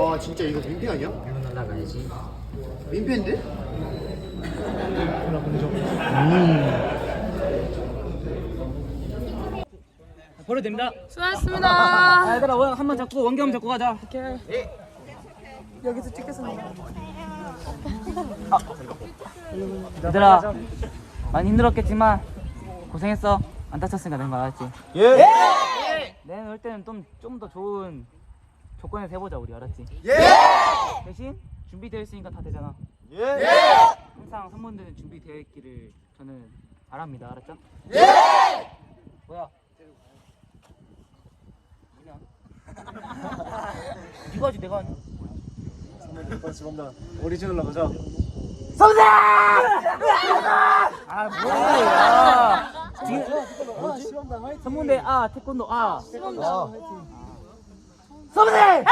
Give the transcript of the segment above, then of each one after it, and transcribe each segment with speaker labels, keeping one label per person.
Speaker 1: 와 진짜 이거 민폐 아니야?
Speaker 2: 일로 날아가야지.
Speaker 1: 민폐인데?
Speaker 2: 버려도 됩니다.
Speaker 3: 수고하셨습니다.
Speaker 2: 얘들아 원 한번 잡고 원경 잡고 가자.
Speaker 3: 오케이. 여기서 찍겠습니다.
Speaker 2: 얘들아 많이 힘들었겠지만 고생했어. 안 다쳤으니까 된 거 알았지?
Speaker 1: 예!
Speaker 2: 내년 올 때는 좀 더 좋은 조건에서 해보자 우리 알았지?
Speaker 1: 예!
Speaker 2: 대신 준비되어 있으니까 다 되잖아.
Speaker 1: 예!
Speaker 2: 항상 선문대는 준비되어 있기를 저는 바랍니다. 알았죠?
Speaker 1: 예!
Speaker 2: 뭐야? 이거 하지 내가 하냐?
Speaker 1: 오리지널로 가자.
Speaker 2: 아 뭐야? 선문대 태권도 선문대!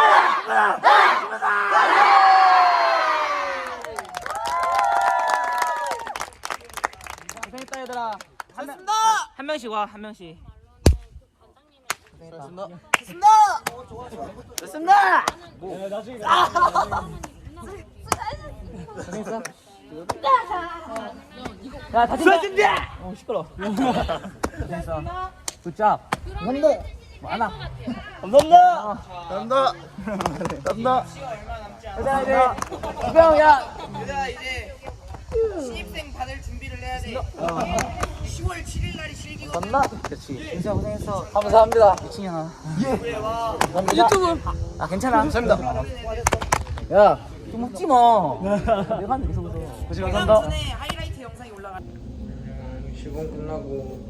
Speaker 2: 고생했다 얘들아. 한 명씩 와, 한 명씩.
Speaker 1: 됐습니다.
Speaker 2: 됐습니다. 고생했어. 야, 다친다. 시끄러. 고생했어. 굿잡. 감사합니다. 많아. 감사합니다.
Speaker 1: 감사합니다. 감사합니다.
Speaker 2: 얘들아 이제 주병 야.
Speaker 4: 얘들아 이제 신입생 받을 준비를 해야 돼. 10월 7일 날이 실기거든.
Speaker 2: 그렇지. 진짜 고생했어.
Speaker 1: 감사합니다.
Speaker 2: 미친년아.
Speaker 3: 유튜브.
Speaker 2: 괜찮아.
Speaker 1: 감사합니다.
Speaker 2: 야, 좀 웃지 마. 내가 하는데 계속 웃어.
Speaker 1: 고생
Speaker 4: 회강
Speaker 1: 감사합니다.
Speaker 4: 전에 하이라이트 영상이 올라가.
Speaker 5: 시범 끝나고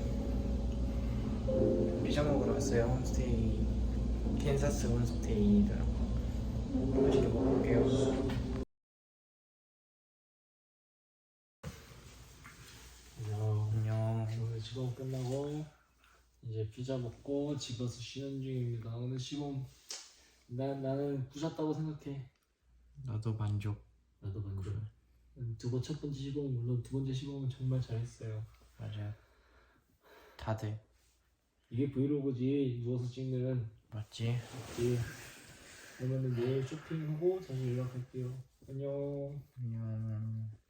Speaker 5: 피자 먹으러 왔어요. 홈스테이 캔사스 홈스테이더라고. 맛있게 먹을게요. 안녕.
Speaker 6: 오늘 시범 끝나고 이제 피자 먹고 집에서 쉬는 중입니다. 오늘 시범 나는 부셨다고 생각해.
Speaker 5: 나도 만족.
Speaker 6: 나도 만족. 첫 번째 시범 물론 두 번째 시범은 정말 잘했어요.
Speaker 5: 맞아요. 다들
Speaker 6: 이게 브이로그지 누워서 찍는.
Speaker 5: 맞지?
Speaker 6: 맞지? 그러면은 내일 쇼핑하고 다시 연락할게요. 안녕.
Speaker 5: 안녕.